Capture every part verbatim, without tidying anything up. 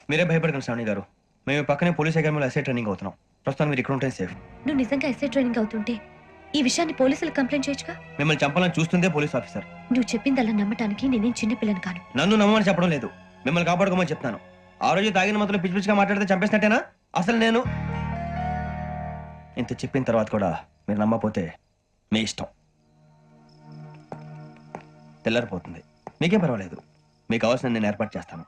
మీరే భయపడకండి శ్రావణి గారు. మేము పక్కనే పోలీస్ అకాడమీలో ఎస్ఐ ట్రైనింగ్ అవుతున్నాం. ప్రస్తుతం మీరు ఇక్కడ ఉంటే సేఫ్. నువ్వు నిజంగా ఎస్ఐ ట్రైనింగ్ అవుతుంటే ఈ విషయాన్ని పోలీసులకు కంప్లైంట్ చేయొచ్చుగా. మిమ్మల్ని చంపాలని చూస్తుందే పోలీస్ ఆఫీసర్. నువ్వు చెప్పిందల్లా నమ్మటానికి నేనేం చిన్న పిల్లని కాను. నన్ను నమ్మమని చెప్పడం లేదు, మిమ్మల్ని కాపాడుకోమని చెప్తాను. ఆ రోజు తాగిన మాత్రం పిచ్చి పిచ్చిగా మాట్లాడితే చంపేసినట్టేనా? అసలు నేను ఇంత చెప్పిన తర్వాత కూడా మీరు నమ్మకపోతే మీ ఇష్టం. తెల్లారిపోతుంది, మీకేం పర్వాలేదు. మీకు కావాల్సిన నేను ఏర్పాటు చేస్తాను.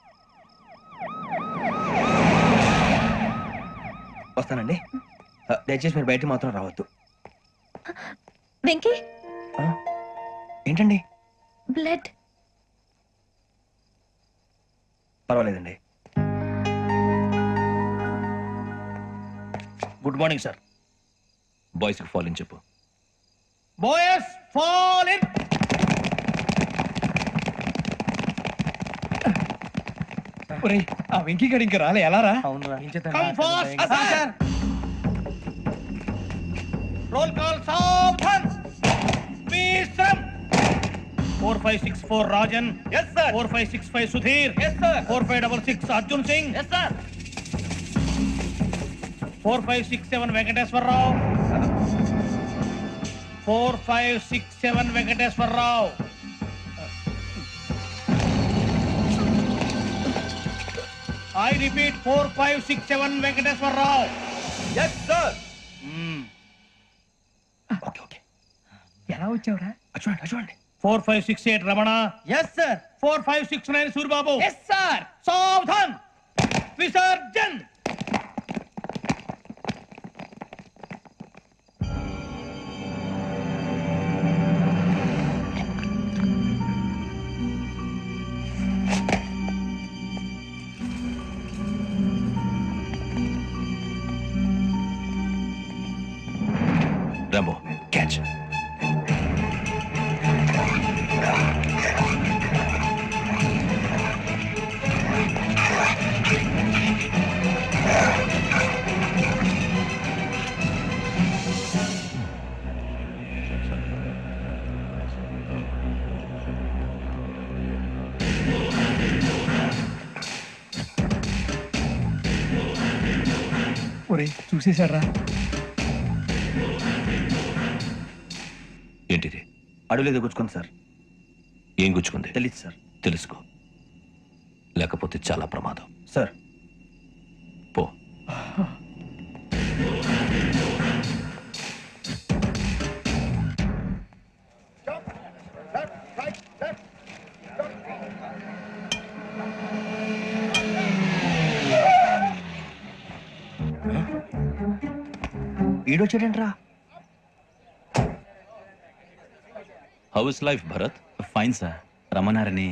వస్తానండి. దయచేసి మీరు బయట మాత్రం రావద్దు. వెంకీ, ఏంటండి? బ్లడ్. పర్వాలేదండి. Good morning sir. బాయ్స్ కి ఫాల్ ఇన్ చెప్పు. Boys fall in. ఒరేయ్, ఆ వెంకీ గడి ఇంకా రాలే, ఎలా రా? అవునురా. Come fast sir. Roll call సావధాన్. విశ్రమ్. four five six four Rajan. yes sir. four five six five Sudheer. yes sir. four five six six Arjun Singh. yes sir. four five six seven Venkateswararao. four five six seven Venkateswararao. I repeat four five six seven Venkateswararao. yes sir. Okay okay. ఎలా వచ్చావురా? చూడండి చూడండి. four five six eight Ramana. yes sir. four five six nine Suryababu. yes sir. సావధాన్. విసర్జన్. Rambo catch. ఒరే, చూసేశాడ్రా. ఏంటిది? అడుగులేదు గుచ్చుకుంది సార్. ఏం గుచ్చుకుంది? తెలీదు సార్. తెలుసుకో, లేకపోతే చాలా ప్రమాదం. సార్ పో. ఈడొచ్చాడంట్రా. How is life Bharat? Fine sir. రమ్మన్నారని.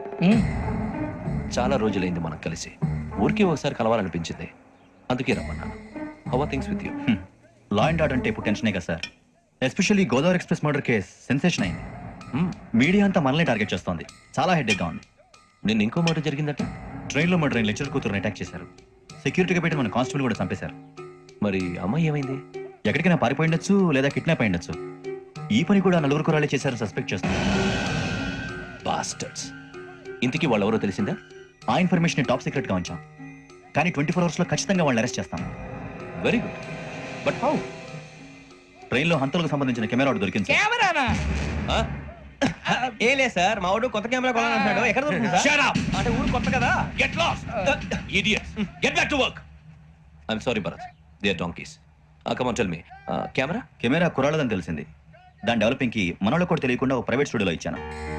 చాలా రోజులైంది మనం కలిసి. ఊరికే ఒకసారి కలవాలనిపించింది, అందుకే రమ్మన్నాను. How are things with you? Law and order అంటే ఇప్పుడు టెన్షనే కదా sir. Especially Godavari express murder case sensation అయింది. మీడియా అంతా మనల్ని టార్గెట్ చేస్తోంది. చాలా హెడ్ఏక్గా ఉంది. నిన్న ఇంకో మాట జరిగిందట. ట్రైన్లో మా ట్రైన్ లెక్చర్ కూతురుని అటాక్ చేశారు. సెక్యూరిటీగా పెట్టి మన కానిస్టేబుల్ కూడా చంపేశారు. మరి అమ్మాయి ఏమైంది? ఎక్కడికైనా పారిపోయి ఉండొచ్చు, లేదా కిడ్నాప్ అయి ఉండొచ్చు. ఈ పని కూడా నలుగురు కురాలే చేశారు సస్పెక్ట్ చేస్తున్నారు. బాస్టర్స్. ఇంతకీ వాళ్ళు ఎవరో తెలిసిందా? ఆ ఇన్ఫర్మేషన్ టాప్ సీక్రెట్ గా ఉంచాం, కానీ ట్వంటీ ఫోర్ అవర్స్ లో ఖచ్చితంగా వాళ్ళని అరెస్ట్ చేస్తాం. Very good. But how? Train లో హంతలకు సంబంధించిన కెమెరా ఒకటి దొరికింది. కెమెరానా? ఏ లే సార్, మా వాడు కొత్త కెమెరా కొనాలంటున్నాడు. ఎక్కడ దొరుకుతుంది సార్? Shut up! అంటే ఊరు కొత్త కదా. Get lost! Idiots! Get back to work! I'm sorry, Bharat. They are donkeys. Uh, come on, tell me. Uh, camera? Camera కురాలదని తెలిసింది. దాని డెవలపింగ్ కి మనోళ్ళకి కూడా తెలియకుండా ఒక ప్రైవేట్ స్టూడియోలో ఇచ్చాను.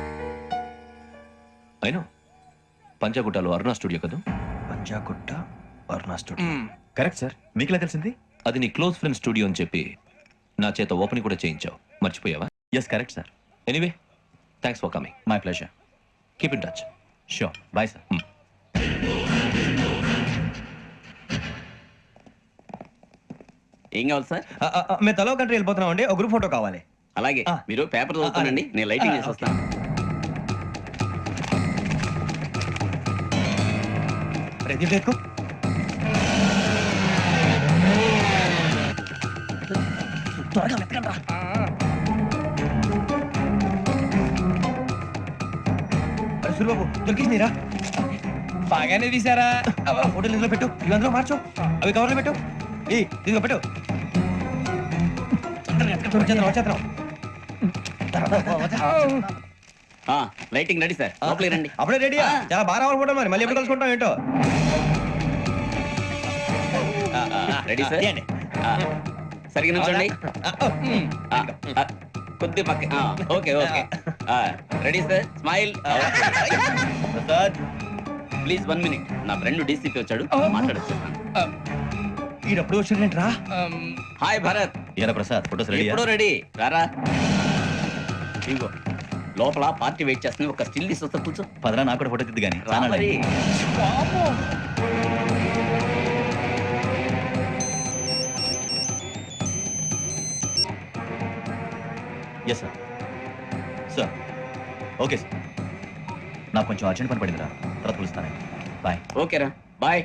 I know. పంజాగుట్టలో అరుణ స్టూడియో కదా? Panjagutta Aruna studio. Correct sir. మీకు ఎలా తెలిసింది? అది నీ క్లోజ్ ఫ్రెండ్ స్టూడియో అని చెప్పి నా చేత ఓపెనింగ్ కూడా చేయించావు. మర్చిపోయావా? Yes correct sir. Anyway, thanks for coming. My pleasure. Keep in touch. Sure. Bye sir. ఏం కావాలి సార్? మేము తలో కంట్రీ వెళ్ళిపోతున్నాం అండి. ఒక గ్రూప్ ఫోటో కావాలి. అలాగే, మీరు పేపర్ చదువుతానండి, నేను లైటింగ్ చేసి వస్తాను. రెడీ देखो. త్వరగా వెతకండి రా. అరే సూరిబాబు, దొరికిందిరా. బాగానే తీసారా? ఫోటోలు ఇందులో పెట్టు, ఇవి అందులో మార్చు, అవి కవర్లో పెట్టు. ఏ ఇదిగో పెట్టు. వచ్చేద్దాం, వచ్చేద్దాం. ఆ, లైటింగ్ రెడీ సార్ లోపలికి రండి అప్పుడే రెడీయా? చాలా బాగా రావాలి ఫోటో, మరి మళ్ళీ ఎప్పుడు కలుసుకుంటాం ఏంటో. రెడీ సార్ తీయండి. ఆ, సరిగ్గా నుంచోండి ఆ, ఆ, కొద్ది పక్క ఆ, okay okay ready sir smile Prasad please one minute నా ఫ్రెండ్ డీసీపీ వచ్చాడు మాట్లాడచ్చు ఈడప్పుడు వచ్చిందేంట్రా? హాయ్ భరత్ ఏరా ప్రసాద్ ఫోటోస్ రెడీ ఎప్పుడో రెడీ రారా ఇగో లోపల పార్టీ వెయిట్ చేస్తుంది ఒక స్టిల్ తీసి వస్తా కూర్చో పదరా నాకు కూడా ఫోటో తిద్దు కానీ రా మరి. Yes sir sir okay sir నాకు కొంచెం అర్జెంట్ పని పడిందిరా తర్వాత పిలుస్తాను బాయ్ ఓకేరా బాయ్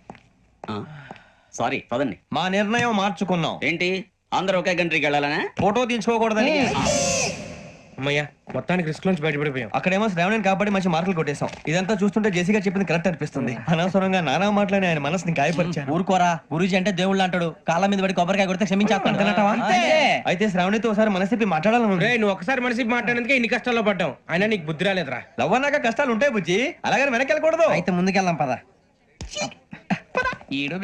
సారీ పదండి మా నిర్ణయం మార్చుకున్నాం. ఏంటి అందరూ ఒకే కంట్రీకి వెళ్ళాలనే ఫోటో తీసుకోకూడదని. అమ్మయ్యా మొత్తానికి రిస్క్ నుంచి బయటపడిపోయాం. అక్కడేమో శ్రావణిని కాబట్టి మంచి మార్కులు కొట్టేశాం. ఇదంతా చూస్తుంటే జేసీగా చెప్పింది కరెక్ట్ అనిపిస్తుంది. అనవసరంగా నానా మాటలని ఆయన మనసుని గాయపరిచాను. ఊరుకోరా గురూజీ అంటే దేవుళ్ళు అంటాడు. కాళ్ళ మీద పడి కొబ్బరికాయ కొడితే క్షమించేస్తాను. అంతే. అయితే శ్రావణితో ఒకసారి మనసిప్పి మాట్లాడాలను. రేయ్, నువ్వు ఒకసారి మనిషి మాట్లాడేందుకే ఇన్ని కష్టాల్లో పడ్డాం. అయినా నీకు బుద్ధి రాలేదురా. లవ్ అన్నాక కష్టాలు ఉంటాయి బుజ్జి, అలాగని వెనక్కి వెళ్ళకూడదు. అయితే ముందుకెళ్దాం పద. ఈడు